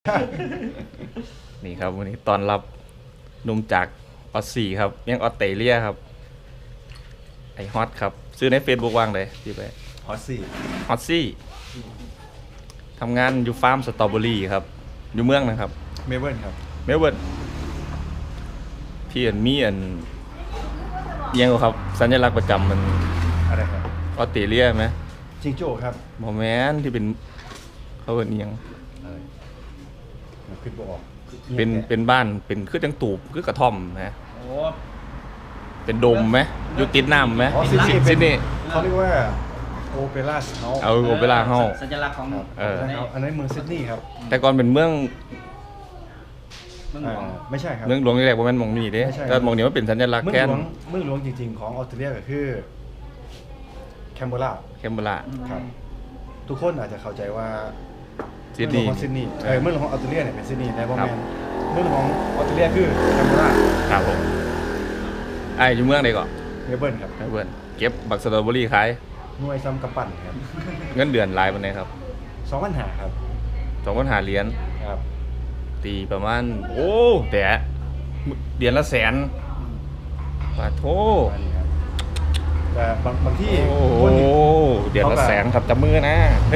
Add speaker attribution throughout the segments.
Speaker 1: นี่ครับวันนี้ตอนรับหนุ่มจากออสซี่ครับยังออสเตรเลียครับไอฮอตครับซื้อใน Facebook ว่างเลยที่ไป
Speaker 2: ฮอตซี่
Speaker 1: ฮอตซี่ทำงานอยู่ฟาร์มสตรอเบอรี่ครับอยู่เมืองนะครับ
Speaker 2: เมลเบิร์นครับ
Speaker 1: เมลเบิร์นที่มียังครับสัญลักษณ์ประจำมัน
Speaker 2: อะไรครับ
Speaker 1: ออสเตรเลียไหม
Speaker 2: จิงโจ้ครับ
Speaker 1: โมแมนที่เป็นเขาเป็นยัง
Speaker 2: อะไรมันขึ้นบอก
Speaker 1: เป็นบ้านเป็นคือจังตูบคือกระท่อมนะเป็นโดมไหมอยู่ติดน้ำไหมซิดนีย์
Speaker 2: เขาเรียกว่าโอเปร่าเฮาส์
Speaker 1: โอเปร่าเฮาส์
Speaker 3: สัญลักษณ์ของ
Speaker 2: อันนั้นเมืองซิดนีย์ครับ
Speaker 1: แต่ก่อนเป็นเมือง
Speaker 2: ไม่ใช่ครับ
Speaker 1: เมืองหลวงนี่แหละว่ามันมองนี่เด้แต่มองนี่ว่าเป็นสัญลักษณ์แค่
Speaker 2: เมืองหลวงจริงๆของออสเตรเลียก็คือแคนเบราครับทุกคนอาจจะเข้าใจว่า
Speaker 1: ซิดนีย์
Speaker 2: เมืองหลวงของออสเตรเลียเนี่ยเป็นซิดนีย์แต่ว่าเมืองหลวงของออสเตรเลียคือแคนเบรา
Speaker 1: ครับผมอยู่เมืองใดก่อน
Speaker 2: เมลเบิร์นครับ
Speaker 1: เมลเบิร์นเก็บบักสตรอเบอรี่ขาย
Speaker 2: หน่วยซ้ำกำปั้นครับ
Speaker 1: เงินเดือนรายวันไหนครับ
Speaker 2: 2,500ครับ
Speaker 1: 2,500เหรียญ
Speaker 2: ครับ
Speaker 1: ตีประมาณแต่เดือนละแสนบาทโท
Speaker 2: แต่บางที่
Speaker 1: เดือนละแสนครับจับมือนะ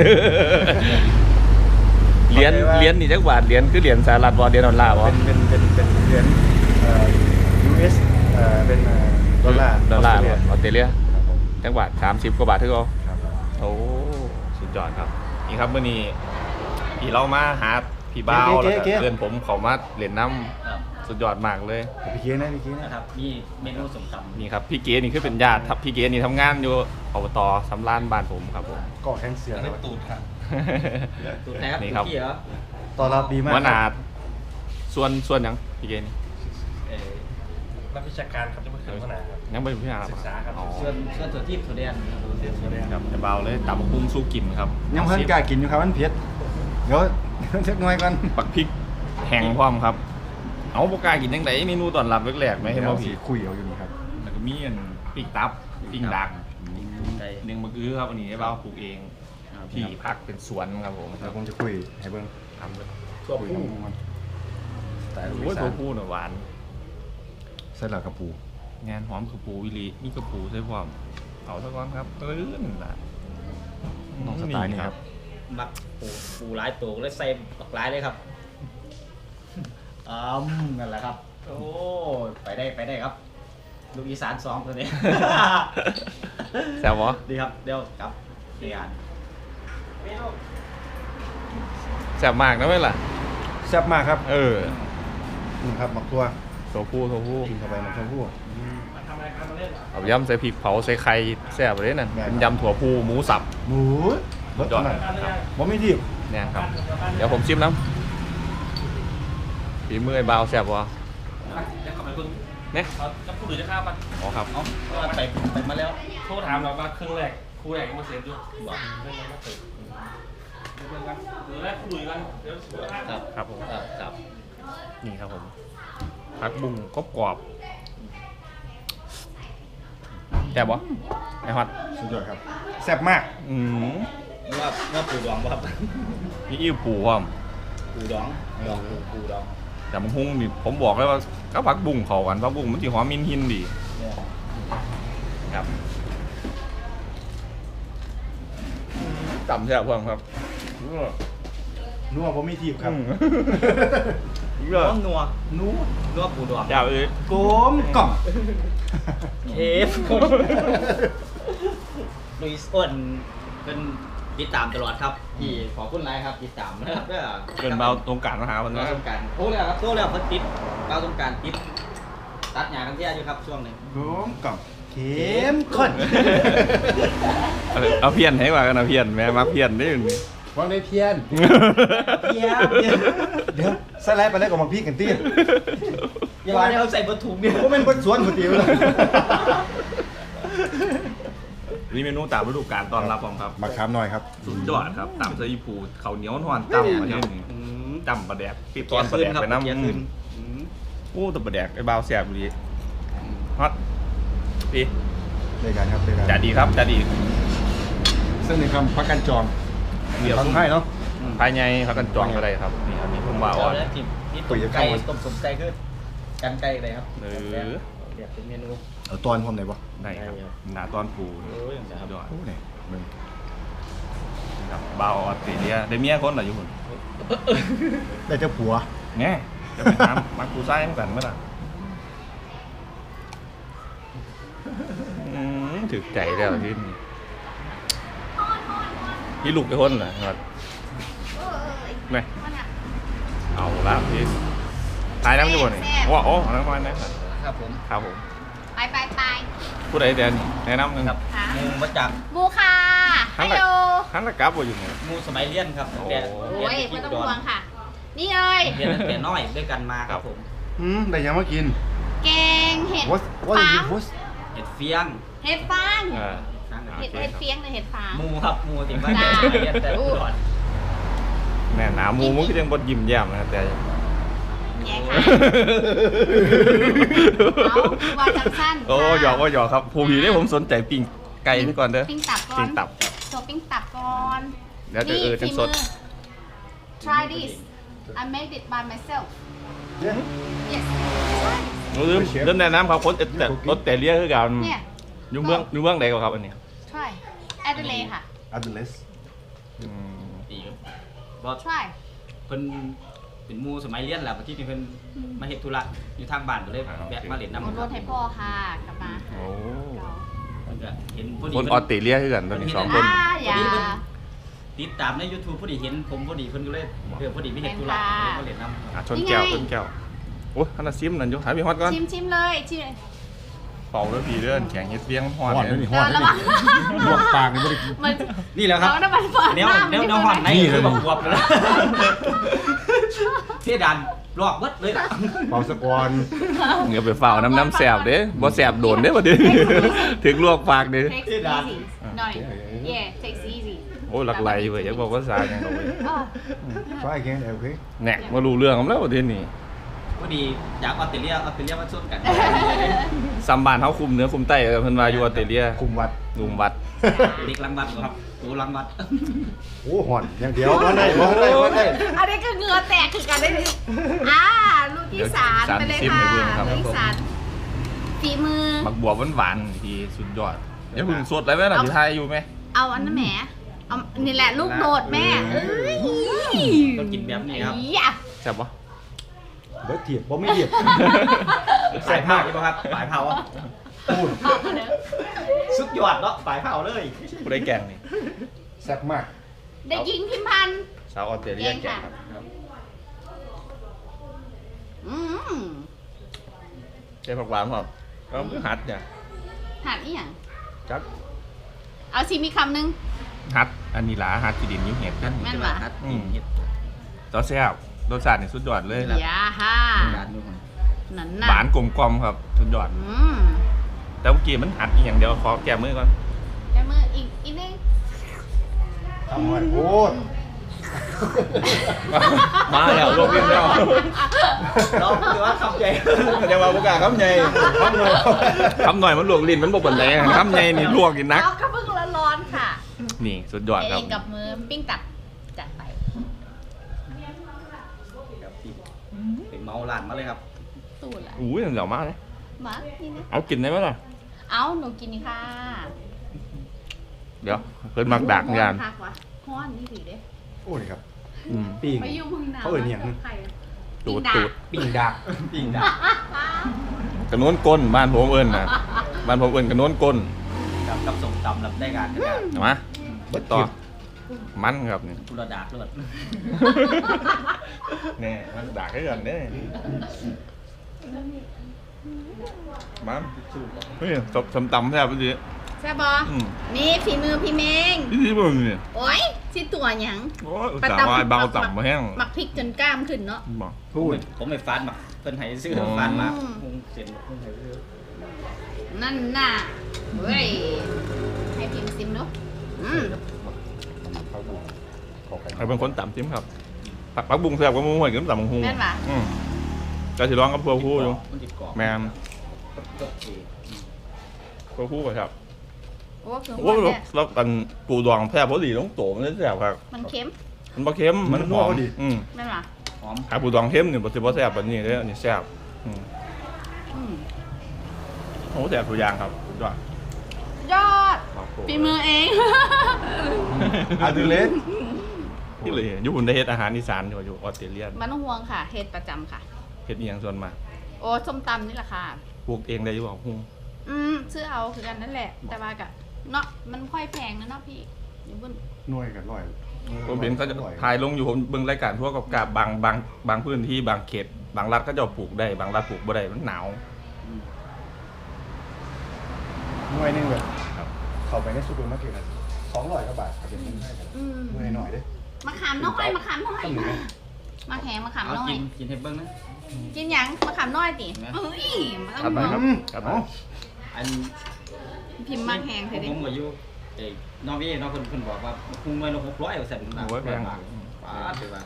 Speaker 1: เหรียญนี่จักบาทเหรียญคือเหรียญสหรัฐบ่เหรียญดอลลาร์บ่
Speaker 2: เป็นเหรียญUS เป็นดอลลาร์
Speaker 1: ออสเตรเลียจักบาท30กว่าบาทเท่ากันโอ้สุดยอดครับนี่ครับมื้อนี้พี่เรามาหาพี่บ้าวแล้วก็เพื่อนผมเขามาเล่นน้ำสุดยอดมากเลย
Speaker 2: พี่เก๋
Speaker 3: นะครับมีเมนูสมตำ
Speaker 1: นี่ครับพี่เก๋นี่คือเป็นญาติพี่เก๋นี่ทำงานอยู่อบต.สำราญบ้านผมครับผม
Speaker 2: ก่อแข้งเสือ
Speaker 3: ตูดครับตูดนะครับ
Speaker 1: นี่ครับ
Speaker 2: ต้อนรับดีมาก
Speaker 1: วนาดส่วนยังพี่เก๋นี่
Speaker 3: นักวิชาการครับจะมาขึ้นวนาครับ
Speaker 1: ยังไม่พิจารณา
Speaker 3: ศึกษาครับส่วนถั่วทิพย์ถั่วแดง
Speaker 1: ครับจะเบาเลยตับกุ้งสู้กินครับ
Speaker 2: ยังเพิ่งกล้ากินอยู่ครับมันเผ็ดเดี๋ยวเช็คหน่อยก่อน
Speaker 1: ปักพริกแห้งพร้อมครับเอาปกล้ากินยังไงเมนูตอนรับแรกๆไหมให้มาผี
Speaker 2: คุยเอาอยู่นี่ครับ
Speaker 1: แล้วก็มีปิ้งตับปิ้งดักหนึ่งมะกือครับอันนี้ให้เบาปลูกเองที่พักเป็นสวนครับผม
Speaker 2: แล้วผมจะคุยให้เบิ้ง
Speaker 1: ทำเลย
Speaker 2: ตัวผู้
Speaker 1: แต่ตัวผู้หวาน
Speaker 2: ใส่หลักกระปู
Speaker 1: งานหอมกระปูวิลีนี่กระปูใส่ความเอาสักก้อนครับตื้นล่ะ
Speaker 2: น้องสไตล์นี่ครับ
Speaker 3: มักปูร้ายตัวเลยใส่ปักร้ายเลยครับนั่นแหละครับโอ้ไปได้ครับลูกอีสาน2ตัวนี้
Speaker 1: แซ่บวะ
Speaker 3: ดีครับเดี๋ยวกับเรียน
Speaker 1: แซ่บมากนะเว้ยล่ะ
Speaker 2: แซ่บมากครับ
Speaker 1: นี่
Speaker 2: ครับหมักตัว
Speaker 1: ผู้
Speaker 2: กินเข้าไปหมักตัวผู้
Speaker 1: เอายำใส่พริกเผาใส่ไข่แซ่บเลยนั่นเป็นยำถั่วพูหมูสับ
Speaker 2: รสจอดบ่ไม่ดิบ
Speaker 1: เนี่ยครับเดี๋ยวผมชิมน้ำฝีมือไอ้บ่าวแซ่บวะเนี่ย
Speaker 3: จะพูดหรือจะข้าวปะ
Speaker 1: อ๋อครับ
Speaker 3: ไปมาแล้ว
Speaker 4: โทรถามเราว่าครึ่งแรกคู่แรกมาเสร็จอยู่บอกเรื่องอะไรมาเสร็จเรื่องกันหรือแรกคู่ดูกันเดี๋ยวสุดท้าย
Speaker 1: ครับผม
Speaker 3: ครับ
Speaker 1: นี่ครับผมผักบุ้งกรอบแซ่บวะไอ้ฮอต
Speaker 2: สุดยอดครับแซ่บมาก
Speaker 3: ว่าปูดองป่ะครับ
Speaker 1: นี่อิ่วปูครับ
Speaker 3: ปูดอง
Speaker 1: แต่มันหุ้งนี่ผมบอกเลยว่าก็ผักบุ้งเขากันผักบุ้งมันจีหอมมินหินดีครับจำใช่ไหมเพื่อนครับ
Speaker 2: นัวผมมีทีบครับ
Speaker 3: นัวปูดอง
Speaker 1: จ้า
Speaker 2: กลมกล่อม
Speaker 3: ลุยส์อ้วนเป็นติดตามตลอดครับที่ขอคุณไลน์ครับติดตามนะครับ
Speaker 1: เป็นเบาตรงกลางนะครับ
Speaker 3: เบาตรงกลางโอ้แล้วครับโตแล้วเขาติดเบาตรงกลางติดตัดหญ้ากันเที่ยอยู่ครับช่วงหนึ่ง
Speaker 2: กลมกล่อมเข้มข้น
Speaker 1: เอาเพี้ยนให้ว่ากันเอาเพี้ยนแม่มาเพี้ยนได้ยังไง
Speaker 2: วางได้เพี้ยนเดี๋ยวใส่ไรไปแล้วก็มาพี่กันตี
Speaker 3: อย่าว่าเนี่ยเขาใส่บะถุงเนี่ย
Speaker 2: ก็เป็นบะสวนบะติ๋วเลย
Speaker 1: นี่เมนูตามฤดูกาลตอนรับผมครับ
Speaker 2: มาค้ำหน่อยครับ
Speaker 1: สุดยอดครับตามเสื้อยีปูเขาเหนียวนอนจำมาเนี่ยจำปลาแดกปีตอนปลาแดกไปน้ำโอ้ตัวปลาแดกไอ้บ่าวแซ่บดีฮอตพี่
Speaker 2: ได้กันครับ
Speaker 1: จัดดีครับจัดดี
Speaker 2: ซึ่งในคำพักกันจอง
Speaker 1: เดี๋ยว
Speaker 2: ทำให้เนาะ
Speaker 1: ภายในพักกันจองอะไรครับนี่ครับนี่ผมว่าอ่อน
Speaker 3: แล้วจิ้มนี่ต้มไก่ต้มสมไก่คือกันไก่เลยครับ
Speaker 1: เออ
Speaker 3: เรียกเป็นเมนู
Speaker 2: เอาตอนพร้อมไหนบ่
Speaker 1: ได้ครับหนาตอนปู
Speaker 3: โอ้ยอย่างนี้ครับ
Speaker 1: ยอด
Speaker 2: โอ้นี่มึง
Speaker 1: ครับเบาออสเตรเลียได้เมียคนเหรออยู่หุ่น
Speaker 2: ได้เจ้าผัว
Speaker 1: แง่จะไปทำมักกูไส้เหมือนกันเมื่อไหร่ถึกใจแล้วที่นี่พี่ลูกไปคนเหรอครับไม่เอาละพี่ตายน้ำอยู่บนนี่ว้าวโอ้น้ำมันนะครับ
Speaker 3: ครับผม
Speaker 1: ครับผม
Speaker 5: ไป
Speaker 1: ผู้ใดเดินแนะนำหนึ่ง
Speaker 3: ครับหมูมาจาก
Speaker 5: บูค่ะฮัลโหล
Speaker 1: ฮันละกับว่าอยู่เนี่ย
Speaker 3: หมูสมัยเรียนครับแต่
Speaker 1: โอ้
Speaker 5: โอ้ยไม่ต้องห่วงค่ะ นี่เลย
Speaker 3: เรียนตั้งแต่น้อยด้วยกันมาครับผม
Speaker 2: ได้ยังมากิน
Speaker 5: แกงเห็ด
Speaker 2: what
Speaker 5: ฟา
Speaker 2: is
Speaker 5: ง
Speaker 2: it what
Speaker 3: เห็ดเฟียง
Speaker 5: เห็ดฟาง
Speaker 1: อ่า
Speaker 5: เห็ดเฟียงหรือเห็ดฟาง
Speaker 3: หมูครับหมูถึงว่า
Speaker 5: จ้า
Speaker 3: เรียนแต่ก่อน
Speaker 1: แม่หนาหมูมันก็ยังบดยิ้มแย้มนะครับแต่
Speaker 5: แย่ค่ะเอาว่าจังสั้น
Speaker 1: โอ้หยอกว่าหยอกครับผู้ผีได้ผมสนใจปิ้งไก่นี่ก่อนเด้อ
Speaker 5: ปิ้งตับก่อน
Speaker 1: ปิ้งตับ
Speaker 5: โชว์ปิ้งตับก่อน
Speaker 1: เดี๋ยวจะจังสด
Speaker 5: ฝีมือ try this I made it by myself
Speaker 2: yeah
Speaker 5: yes
Speaker 1: เริ่มแนะนำครับคนแต่รถแต่เรียกคือกัน
Speaker 5: เนี่ย
Speaker 1: อยู่เมืองใดก็ครับอันนี้
Speaker 5: try Adelaide ค่ะ
Speaker 2: Adelaide
Speaker 3: ดีครับบอส
Speaker 5: try
Speaker 3: เพิ่นเป็นหมูสมัยเรียนแหละที่นี่เพิ่นมาเฮ็ดธุระอยู่ทางบ้านก็เลยแวะมาเล่นน้ำ
Speaker 5: เอารถให้พ่อค่ะกลับมา
Speaker 1: โอ้
Speaker 3: เพิ่นก็เห็นพอดี
Speaker 1: คนออสเตรเลียคือกันตอนนี้สองคน
Speaker 5: อย่า
Speaker 3: ติดตามใน YouTube พอดีเห็นผมพอดีเพิ่นก็เลยพอดีไม่เห็นธุระเลยมาเล่นน้ำ
Speaker 1: ชนแก้วชนแก้วโอ้ยขนาดซิมนั่นอยู่หายไปฮอตก่อน
Speaker 5: ชิมเลยชิม
Speaker 1: เป่าแล้วผีเลื่อนแข็งเฮ็ดเบี้ยงฮอต
Speaker 2: ฮอด
Speaker 1: เล
Speaker 2: ด้วย
Speaker 1: ย
Speaker 2: นี่ฮอดด้วยนี่ลวกปากนี่บ่ได้กิน
Speaker 5: มัน
Speaker 3: นี่แหละครับ
Speaker 5: น้ำมันเปิด
Speaker 3: แนวห่อนใน
Speaker 2: นี่
Speaker 3: คือ
Speaker 2: เลย
Speaker 3: แบบบวบเลยนะเพี่ดันลอกเบิดเลยล่ะ
Speaker 2: เป่าสะกอน
Speaker 1: เงี้ยไปเฝ้าน้ำแสบเด้บ่แสบโดนเด้บ่ดิถึงลวกปากเด้
Speaker 5: takes easy หน่อย yeah takes easy
Speaker 1: โอ้ยหลักไหลเว้ยอยากบอกภาษาอย่างเราเว้ย
Speaker 2: try again okay
Speaker 1: แหนกมารู้เรื่องของแล้วประเทศนี้
Speaker 3: พอดีจากออสเตรเลียมาชนกัน
Speaker 1: ซัมบานเขาคุมเหนือคุมใต้เพิ่นว่าอยู่ออสเตรเลีย
Speaker 2: คุมวัด
Speaker 1: ลุมวัด
Speaker 3: เด็กลังวัดครับตูลังวัด
Speaker 2: โอ้หอนอย่างเดียวบ่ได้บ่ได้บ่ได้
Speaker 5: อันนี้ก็เหงื่อแตกคือกันได้ดิลูกที่สามไปเลยค่ะลูกที่สามฝีมือ
Speaker 1: บักบัวหวานๆที่สุดยอดเดี๋ยวพึ่งสดอะไรไหมล่ะที่ไทยอยู่ไหม
Speaker 5: เอาอันนั้นแหมเอานี่แหละลูกโดดแม่เอ้ย
Speaker 3: ต้องกินแบบนี้ครับ
Speaker 5: อย่า
Speaker 1: แซ่บปะ
Speaker 2: เบิดเทียบบ่ไม่เทียบ
Speaker 3: สายเผาใช่ไหมครับสายเผา
Speaker 2: พูด
Speaker 5: เอามาเด้อ
Speaker 3: สุดยอดเนาะสายเผาเลย
Speaker 1: ผู้ได้แกงนี่
Speaker 2: แซ่บมาก
Speaker 5: เด็กหญิงพิมพันธ์
Speaker 1: สาวออสเตรเลียแกงครับ
Speaker 5: อืม
Speaker 1: ใช่ผักหวานครับก็หัดเนี่ย
Speaker 5: หัดอีหยัง
Speaker 1: จัก
Speaker 5: เอาชิมอีกคำหนึง
Speaker 1: หัดอันนี้หลาหัดกีดินยิ้มเห็ดกัน
Speaker 5: แม่นหวะ
Speaker 1: ต่อแซ่บรสชาตินี่สุดยอดเลย
Speaker 5: อย่าฮ่า
Speaker 3: ร้านนู้น
Speaker 5: นั่นน่ะ
Speaker 1: หวานกลมกล่อมครับสุดยอด
Speaker 5: อืม
Speaker 1: แต่เมื่อกี้มันหัดอีกอย่างเดียวขอแก้มือก่อน
Speaker 5: แกมืออีกนึง
Speaker 2: ทำไว้โอ้
Speaker 1: มาแล้วลวกเรียบร้อย
Speaker 3: เราคือว่าคำใหญ่
Speaker 1: จะมาประกาศคำใหญ่คำหน่อยมันลวกลิ้นมันบ่ปนแรงคำใหญ่นี่ลวกกินนัก
Speaker 5: เอากระเบื้องร้อนๆค่ะ
Speaker 1: นี่สุดยอดครับ
Speaker 5: เองกับมือปิ้งตับจัดไป
Speaker 3: เป็นเมาหลานมาเลยครับ
Speaker 5: สูตรละ
Speaker 1: อุ้ยเดี๋ยวมาเลย
Speaker 5: มานี่นะ
Speaker 1: เอากินได้ไหมล่ะ
Speaker 5: เอาหนูกินนี่ค่ะ
Speaker 1: เดี๋ยวเพิ่นมักดักงาน
Speaker 5: คักวะฮ้อนนี่ดีเด้
Speaker 2: โอ้นี่ครับ
Speaker 1: อืม
Speaker 2: ปิ้ง
Speaker 5: ไปอยู่เมึงหนาว
Speaker 2: เขาเอิ้นอิหยัง
Speaker 5: ใครอะ
Speaker 1: ตูด
Speaker 5: ปิ้ง
Speaker 1: ตูด
Speaker 3: ปิ่งดักปิ่งดัก
Speaker 1: กระโน้นก้นบ้านผมเอิญนะบ้านผมเอิญกระโน้นก้น
Speaker 3: กับส่งตำรับได้การกันนะ
Speaker 1: เห็นไหมเบิดต่อมันครับนี่
Speaker 3: ตุลดาเลือด
Speaker 1: นี่มันดักให้กันเด้มันเฮ้ยสมตำแซ่บดี
Speaker 5: ใช่บอ
Speaker 1: อืม
Speaker 5: นี่ฝีมือพี่เมง
Speaker 1: ที่มึงนี่
Speaker 5: โอ้ยสิตัวหยัง
Speaker 1: โอ้ยอุตส่าห์ว่าเบาต่ำมาแห้ง
Speaker 5: หมักพริกจนกล้ามขึ้นเนาะ
Speaker 1: บอก
Speaker 2: พูด
Speaker 3: ผมไม่ฟานมาเพิ่นให้ซื้อฟานมาเสียนเพิ่นให้ซื้อ
Speaker 5: นั่นน่ะเฮ้ยให้พิมพ์ซิมเนาะอืม
Speaker 1: ใครเป็นคนต่ำจิ้มครับปักบุ้งแซ่บก็มุ่งหัวกินต่ำบังฮู
Speaker 5: แม่นปะ
Speaker 1: ก็สิร้องกับพัวคู่อยู่
Speaker 3: มันติดกรอบ
Speaker 1: แมนพัวคู่ก็ครับ
Speaker 5: โอ้คือ
Speaker 1: โอ้
Speaker 5: หัวย เนี่ย
Speaker 1: แล้วกันปูดองแซ่บพอดีต้องโตมันได้แซ่บครับ
Speaker 5: มันเค็ม
Speaker 1: มันบ่เค็มมันหอมอืม
Speaker 5: แม่นปะ
Speaker 3: หอม
Speaker 1: ขาปูดองเข้มเนี่ยบ่แซ่บแบบนี้เด้ออันนี้แซ่บโอ้แซ่บตัวอย่างครับสุดยอด
Speaker 5: ยอดฝีมือเอง
Speaker 2: อาดูเลส
Speaker 1: นี่เลยญี่ปุ่นได้เฮ็ดอาหารอีสานอยู่ออสเตรเลีย
Speaker 5: มันต้องห่วงค่ะเฮ็ดประจำค่ะ
Speaker 1: เฮ็ดอีหยังส่วนมาก
Speaker 5: โอ้ส้มตำนี่แหละค่ะ
Speaker 1: ปลูกเองได้อยู่บ่ฮู้
Speaker 5: ซื้อเอาคือกันนั่นแหละ แต่ว่ากะเนาะมันค่อยแพงนะเนาะพี่อยู่บน
Speaker 2: หน่วยกันร่อย
Speaker 1: ผมเห็นเขาจะถ่ายลงอยู่ผมเบิ่งรายการพวกกับบางพื้นที่บางเขตบางรัฐเขาจะปลูกได้บางรัฐปลูกบ่ได้มันหนาว
Speaker 2: หน่วยนึงแบบ
Speaker 1: ครับ
Speaker 2: เข้าไปในซูเปอร์มาร์เก็ต200 กว่าบาทครับเป็นเงินไทยครับหน่วยหน่อยเด้
Speaker 5: มะขามน้อยมะขามน้อยมาแข็งมะขาม
Speaker 3: เอา
Speaker 5: น้อย
Speaker 3: กินให้เบิ่งนะ
Speaker 5: กินหยังมะขามน้อยติเอ้ยมัน
Speaker 1: ครับไป
Speaker 5: ต้อง
Speaker 1: ครับครับไป
Speaker 3: อัน
Speaker 5: พิมพ์มาแข็งเถอะดิ
Speaker 3: ผมก็อยู่นอร์เวย์เนาะเพิ่นบอกว่าคุงไว้ละ600ว่าซั่นนะ
Speaker 1: โอ้ยแพง
Speaker 3: ป้าดว่า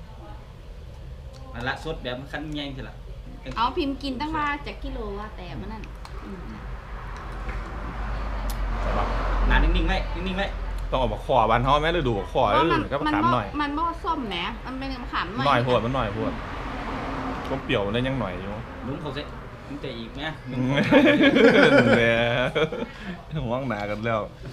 Speaker 3: อันละสดแบบคันใหญ่สิล่ะ
Speaker 5: เอาพิมพ์กินตั้งว่าจากกิโลว่าแต่มันนั่น
Speaker 3: หนานิ่งๆไว้นิ่งๆไว้
Speaker 1: ต้องเอาบักขอบ้านเฮาแม่ฤดูบักขอ
Speaker 5: เพราะมัน
Speaker 1: ก็ถามหน่อย
Speaker 5: มันบ่ส้มแหมมันเป็นมะขาม
Speaker 1: หน่อยพวดมันหน่อยพวดก็เปรี้ยวได้ยังหน่อยอยู่
Speaker 3: ลุงเขาสิลุงแต่อีกแม่
Speaker 1: แหมห่วงหนากันแล้ว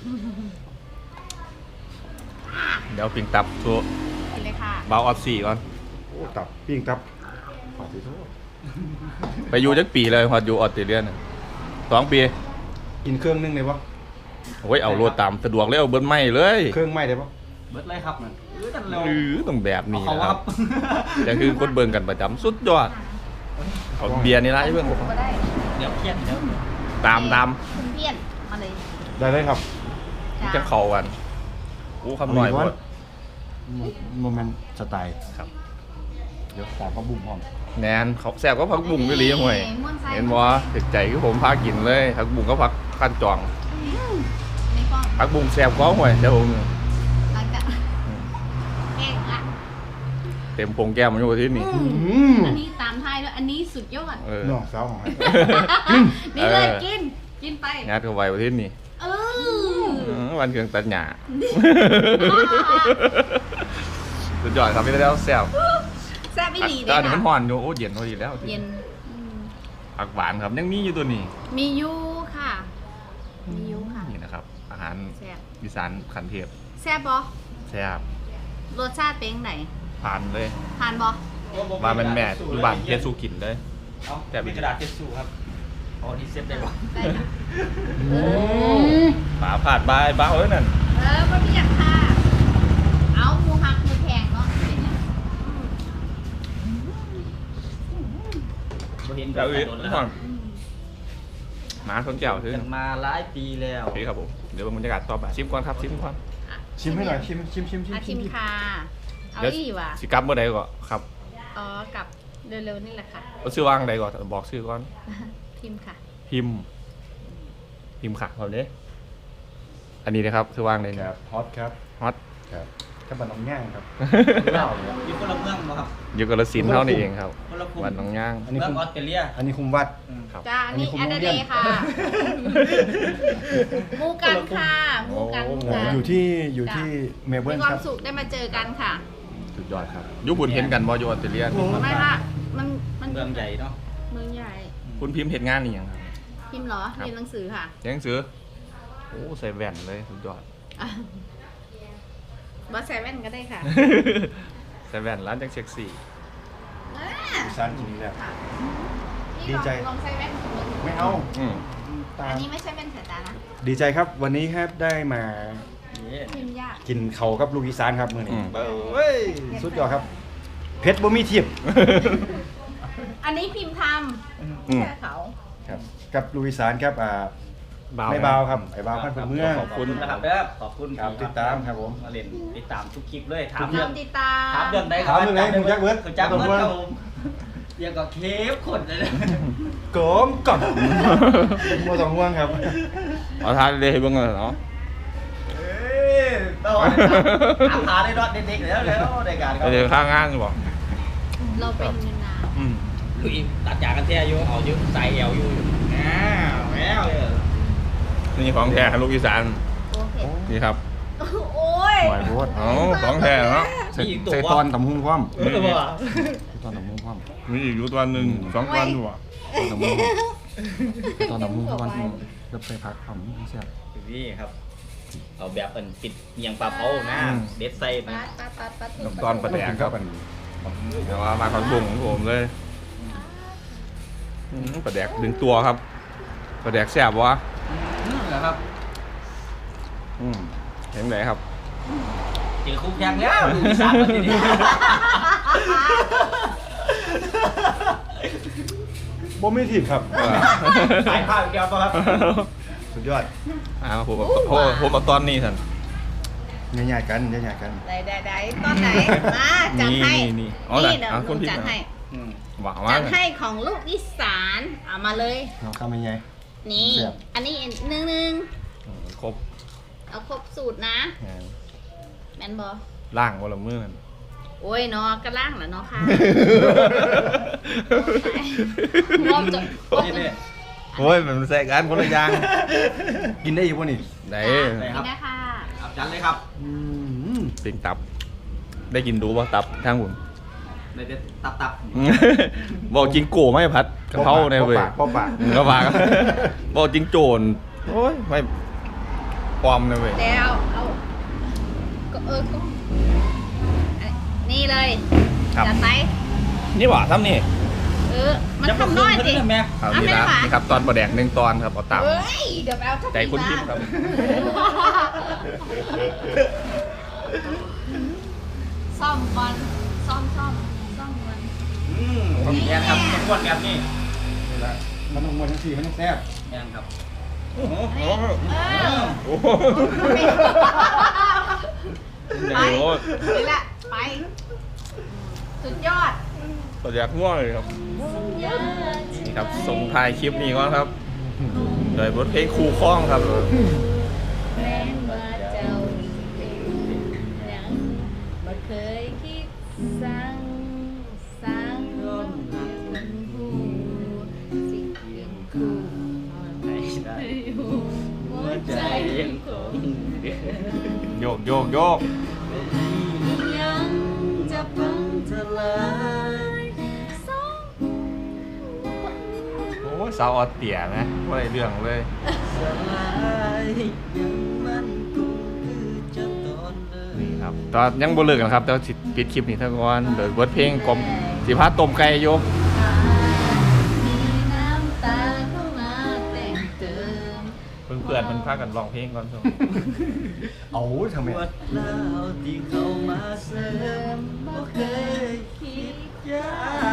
Speaker 1: เดี๋ยวปิงตับตัว
Speaker 5: กินเลยค่ะ
Speaker 1: เบาออดสี่ก่อน
Speaker 2: โอ้ตับปิ้งตับขอสิโทษ
Speaker 1: ไปอยู่จักปีเลยพออยู่ออสเตรเลียน่ะ2 ปี
Speaker 2: กินเครื่องนึงได้ปะ
Speaker 1: โอ้ยเอาโลดตามสะดวกเลยเอาเบิ้ลไม่เลย
Speaker 2: เครื่องไหม้ได้ปะ
Speaker 3: เบิดเลยครับนั่นกันแล้ว
Speaker 1: ต้องแบบนี้
Speaker 3: เขา
Speaker 1: นะ
Speaker 3: ค
Speaker 1: ค
Speaker 3: รั
Speaker 1: รั
Speaker 3: บบ
Speaker 1: แต่คือคนเบิ่งกันประจำสุดยอดเอาเบียร์นี่ละไอ้เบิ่ง
Speaker 5: ก็ได้
Speaker 3: เดี๋ยวเครียดเดี๋ยว
Speaker 1: ตาม
Speaker 5: คุณเพี้ยนมาเลย
Speaker 2: ได้เลยครับ
Speaker 1: จะเข้ากันโอ้คำหน่อยพวด
Speaker 2: โมเมนต์สไตล์
Speaker 1: ครับ
Speaker 2: เดี๋ยวตามก็บุ้มพร้อม
Speaker 1: แนนเขาแซ่บก็ผักบุ้งไปลีห่วย
Speaker 5: ม่วนไส้
Speaker 1: เห็นบ่ถึกใจคือผมพากินเลยผักบุ้งก็ผักขั้นจอง
Speaker 5: นี่ก็
Speaker 1: ผักบุ้งแซ่บก็ห่วยเดี๋ยวผม
Speaker 5: หลังจากแห้งละ
Speaker 1: เต็มโปงแก้มมันอยู่ที่นี่
Speaker 5: อันนี้ตามไทยด้วยอันนี้สุดยอด
Speaker 1: เออ
Speaker 2: น้องสาวของให้
Speaker 5: นี่เลยกินไป
Speaker 1: งัดเข้าไปประเทศนี้
Speaker 5: เออ
Speaker 1: วันเครื่องตัดหญ้าสุดยอดครับพี่แล้วแซ่บ
Speaker 5: แซ่บอีหลี
Speaker 1: ตอน
Speaker 5: เด้
Speaker 1: นี้
Speaker 5: ค่ะ
Speaker 1: มันห่อนอยู่โอ้เย็นพอดีแล้ว
Speaker 5: เย็น
Speaker 1: ผักหวานครับยังมีอยู่ตัวนี้
Speaker 5: มียูค่ะ มียูค่ะ
Speaker 1: นี่นะครับ อาหาร
Speaker 5: แซ่บ
Speaker 1: อีสานขันเทพ
Speaker 5: แซ่บบ่
Speaker 1: แซ่บ
Speaker 5: รสชาติเป็นไหน
Speaker 1: ผ่านเลย
Speaker 5: ทานบ่
Speaker 1: มาเป็นแม่อยู่บ้านเฮ็ดสู้กินเลย
Speaker 3: เอา
Speaker 1: แต่
Speaker 3: มีกระดาษเช็ดชู่ครับอ๋อนี่เซ็ตได้บ่
Speaker 5: ได้ค่ะ
Speaker 1: ฝาผาดบายบ้าเอ้ยนั่น
Speaker 5: บ่มีอย่างค่ะ เอาหมูหักหมูแพงเนาะเป็นหยัง
Speaker 3: บ่เห็น
Speaker 1: แล้วอีก
Speaker 3: โดนแล้ว
Speaker 1: ห่อนหมาคนแก้วซื้อ
Speaker 3: กันมาหลายปีแล้ว
Speaker 1: โอเคครับผมเดี๋ยวบรรยากาศต่อไปชิมก่อนครับชิมก่อน
Speaker 2: ชิมให้หน่อยชิม
Speaker 5: อาชิมค่ะ เอา
Speaker 1: เดี๋ยว
Speaker 5: อีว่ะ
Speaker 1: สิกลับเมื่อใดก่อนครับ
Speaker 5: อ๋อกลับเร็วๆนี่แหละค่ะ
Speaker 1: เอาชื่อว่างใดก่อนบอกชื่อก่อน
Speaker 5: พิมพ์ค่ะ
Speaker 1: พิมค่ะครับเด้อันนี้นะครับชื่อว่างใด
Speaker 2: ค
Speaker 1: เนี่ย
Speaker 2: รับฮอตครับ
Speaker 1: ฮอต
Speaker 2: ครับถ้าบันน้องย่างครับ
Speaker 3: เล่าอยู่คนละเมืองบ่ครับ
Speaker 1: อยู่กับละสินธุ์เท่านี้เองครับ
Speaker 3: คนละภูมิ
Speaker 1: วันหน้องย่าง
Speaker 2: อันนี้
Speaker 3: เมือง
Speaker 2: คุม
Speaker 3: ออสเตรเลีย
Speaker 2: อันนี้คุมวัด
Speaker 1: ครับ
Speaker 5: จ้า
Speaker 2: อันนี้
Speaker 5: นี่
Speaker 2: คุณ
Speaker 5: แอด
Speaker 2: น้อง
Speaker 5: เด
Speaker 2: เยี่ยม
Speaker 5: ย์ค่ะหมูกันค่ะหมูกันหมูกัน
Speaker 2: อยู่ที่เมลเบิ
Speaker 5: มี
Speaker 2: ร์น
Speaker 5: ควา
Speaker 2: ค
Speaker 5: ม
Speaker 2: รับ
Speaker 5: สุขได้มาเจอกันค่ะ
Speaker 1: สุดยอดครับยุบุญเห็นกันบอยู่ออสเตรเลีย
Speaker 5: ไม่ค่ะมัน
Speaker 3: เมืองใหญ่เนาะ
Speaker 5: เมืองใหญ่
Speaker 1: คุณพิมพ์เห็นงานนี่ยังครับ
Speaker 5: พิมพ์เหรอ
Speaker 1: ครับ
Speaker 5: เรียนหนังสือค่ะ
Speaker 1: เรียนหนังสือโอ้ใส่แว่นเลยสุดยอด
Speaker 5: บอสเซเว่นก็ได้ค่ะ
Speaker 1: ใส่แว่นร้านจังเซ็กซี่
Speaker 2: ซานกินแล้ว
Speaker 5: ค่ะ
Speaker 2: ดีใจ
Speaker 5: ลองใส่แว่นของมึง
Speaker 2: ไม่เอา
Speaker 1: อืม
Speaker 2: ตา
Speaker 5: อันนี้ไม่ใช่แว่นสายตานะ
Speaker 2: ดีใจครับวันนี้ครับได้มา
Speaker 3: นี่
Speaker 5: พิมพ์ยาก
Speaker 2: กินเขากับลูกอีสานครับมื้อนี้เฮ้ยสุดยอดครับเพชรบ่มีเทียบ
Speaker 5: อันนี้พิมพ์ท
Speaker 1: อืม
Speaker 5: ำแค่เขา
Speaker 2: ครับกับลูกอีสานครับไม่เบาครับไอ้เบาพันเป็นเมือง
Speaker 3: ขอบคุณนะครับเด้อขอบคุณ
Speaker 2: ครับติดตามครับผม
Speaker 3: มาเล่นติดตามทุกคลิปเลยถาม
Speaker 5: ย
Speaker 3: เรื่
Speaker 5: อ
Speaker 3: อง
Speaker 5: มติดตาม
Speaker 3: ถามเรื่องใด
Speaker 2: ถามเรื่องไหนคุณแจ็คเบิร์ด
Speaker 3: คุณแจ็คเบิร์ดครับผมเรียกก็เคฟขนเลยนะ
Speaker 2: โกมก่อนมัวสองห่วงครับ
Speaker 1: เอาทานเลยให้เบิ่งเลยเนาะ
Speaker 3: เอ้ยต้องถามหาได้รอดเด็กๆแล้วในการเขา
Speaker 1: เดี๋ยวข้างงานบอก
Speaker 5: เราเป็นเงินนา
Speaker 1: อืม
Speaker 3: ลุยตัดยากันแท้อยู่เอาอยู่ใส่เอวอยู่แล้วเลย
Speaker 1: นี่ของแท้ลูกอีสาน
Speaker 5: โอเค
Speaker 1: นี่ครับ
Speaker 5: โอ้ย
Speaker 2: หวายโพด
Speaker 1: อ๋อของแท้เนาะ
Speaker 2: ใส่ตอนตำหุ้งพร้อม
Speaker 3: เออว่ะ
Speaker 2: ใส่ตอนตำหุ้งพร้อม
Speaker 1: มีอีกอยู่ตัวหนึ่ง2ตัวอยู่อ่ะ
Speaker 2: ตอนตำหุ้งตอนตำหุ้งพร้อมแล้วไปพักพร้อมเสียบ
Speaker 3: นี่ครับเอาแบบเป็นติดเมียงปลาเผานะเด็ดใส่มา
Speaker 5: ปัด
Speaker 1: น้ำตอนปลาแดกครับ
Speaker 2: มัน
Speaker 1: เดี๋ยวมาของบุ้งของผมเลยปลาแดกดึงตัวครับปลาแดกแซ่บวะ
Speaker 3: นะครับ
Speaker 1: เห็นไหนครับ
Speaker 3: เจอคุกยังแล้วดูอีสานมาทีนี้
Speaker 2: บ่มีทีบครับ
Speaker 3: สายผ้าแก้วตัวครับ
Speaker 2: สุดยอด
Speaker 1: ผมเอาตอนนี้สัน
Speaker 2: ใหญ่ๆกันใหญ่ๆกัน
Speaker 5: ได้ตอนไหนมาจัดให้
Speaker 1: นี่
Speaker 5: นี่เดี๋ยว
Speaker 1: เอา
Speaker 5: ลุ
Speaker 1: คน
Speaker 5: ง
Speaker 1: ผิด
Speaker 5: จัดให้
Speaker 1: หวัง
Speaker 5: จั
Speaker 1: ว่า
Speaker 5: ดให้ของลูกอีสานเอามาเลย
Speaker 2: เราทำยังไง
Speaker 5: นี่
Speaker 2: เสียบ
Speaker 5: อันนี้นึง
Speaker 1: ครบ
Speaker 5: เอาครบสูตรนะแมนบอ
Speaker 1: ล่างวันละมื้อนั่น
Speaker 5: โอ้ยเนาะกระล่างเหรอเนาะค่ะรอบจะ
Speaker 3: นี่เนี่ย
Speaker 1: โอ้ยมันแซกันคนละอย่าง
Speaker 2: กินได้อยู่ป่ะนี่
Speaker 1: ไหน
Speaker 5: นี่นะคะ
Speaker 3: เอาจันเลยครับ
Speaker 1: ปิงตับ ได้กินดูป่ะตับทางผม
Speaker 3: ในเด็ดตับ
Speaker 1: บอกจริงโก้ไม่พัดกระเพราในเว้ย
Speaker 2: ป้อปาก
Speaker 1: กระปากบอกจริงโจรโอ้ยไม่ปลอมในเว้ย
Speaker 5: แล้วเอาก็ก็นี่เลย
Speaker 1: ครับ
Speaker 5: จัดไป
Speaker 1: นี่หว่าทำนี่
Speaker 5: มันทำน้อยสิ
Speaker 3: แม่
Speaker 1: ครับ
Speaker 5: เอา
Speaker 1: นี่
Speaker 5: ไม่
Speaker 1: นะ
Speaker 5: หวาน
Speaker 1: นี่ครับตอนปลาแดก1 ตอนครับเอาตับ
Speaker 5: เฮ้ยเดี๋ยวไปเอาทับ
Speaker 1: ใจคุณพิมพ์ครับ
Speaker 5: ซ่อมก่อนซ่อมก่อน
Speaker 3: แม่ครับต้องวนแบบนี้
Speaker 2: นี่ละมันต้องมวนทั้งสี่มันต้องแซ่บ
Speaker 3: แม่ครับ
Speaker 1: โอ้โห
Speaker 5: โอ้
Speaker 1: โอ้โห
Speaker 5: ไป
Speaker 1: ใหญ่โลด
Speaker 5: นี่แหละไป สุดยอด
Speaker 1: ปลาแดกง่วงเลยครับ นี่ครับส่งท้ายคลิปนี้ก่อนครับโดยบทเพลงครูคล้องครับ
Speaker 5: แม้ว่าเจ้าเป็นยังบ่เคยคิดสั่งคนหูสิ่งยังคู่หัวใจยังคง
Speaker 1: โยกโยกโยก
Speaker 5: ยังจะพังทลายสอง
Speaker 1: โอ้ยสาวออดเตี่ยนะว่าอะไรเรื่องเลย
Speaker 3: สลายยังมันคงคือเจ้าตอนเลย
Speaker 1: นี่ครับตอนยังบ่เลิกกันครับแต่ว่าสิปิดคลิปนี้ทั้งวันโดยบทเพลงกลมสิพาต้มไก่โยก
Speaker 5: มีน้ำตาเข้ามาแต่งเติม
Speaker 1: เพื่อนๆมันพากันร้องเพลงก่อน
Speaker 2: เอาทำไม
Speaker 3: ปวดเล่าที่เข้ามาเสริมบ่เคยคิดยาก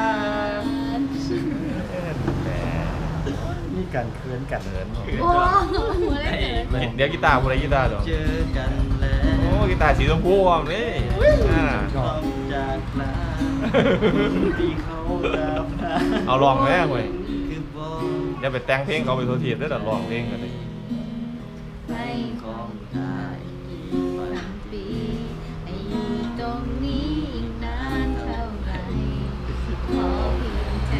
Speaker 2: มีการเคืนกัน
Speaker 1: เดิน
Speaker 5: โอ้หัวได้เติม
Speaker 1: เดี๋ยวกีตาร์ผู้ใดกีตาร์เดี๋ยว
Speaker 3: เจอกันแล้ว
Speaker 1: โอ้กีตาร์สีชมพูอ่ะนี่อ่า
Speaker 3: ต้องจากลาที่เขาดับ
Speaker 1: เอาลองแม่เว้ย
Speaker 3: คือบอก
Speaker 1: อย่าไปแต่งเพลงเขาไปโทษทีได้แต่ร้องเพลงกันเลย
Speaker 5: ให้
Speaker 3: ของตายกี่วั
Speaker 5: วัน นปีให้อยู่ตรงนี้อีกนานเท่าไหร่ขอเพียงแค่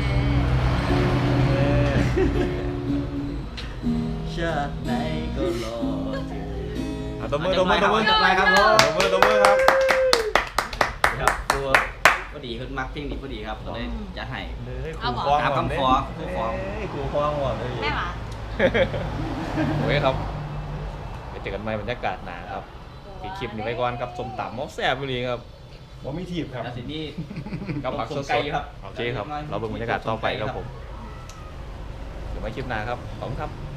Speaker 3: ชาติไหนก็รอเธอ
Speaker 1: อ่ะตบมือครับผม
Speaker 3: ตบมือครับผม
Speaker 1: ตบมือครับ
Speaker 3: ครับตัวพอดีคุณมักเพลงนี้พอดีครับก็เลยจะให้
Speaker 5: เอาบอก
Speaker 3: ตามคำขอครูฟ้อง
Speaker 1: ครูฟ้องว่ะเลย
Speaker 5: แม่หวา
Speaker 1: โอเคครับไปเจอกันใหม่บรรยากาศหนาครับปิดคลิปนี้ไว้ก่อนครับสมตำมอกแซ่บไปเลยครับ
Speaker 2: บ่มีทีบครับ
Speaker 3: แล้วทีนี้
Speaker 1: กับผักสด
Speaker 3: ไก่ครับ
Speaker 1: ๆโอเคครับ เราเบิ่งบรรยากาศต่อไปครับผม เดี๋ยวไว้คลิปหน้าครับ ขอบคุณครับ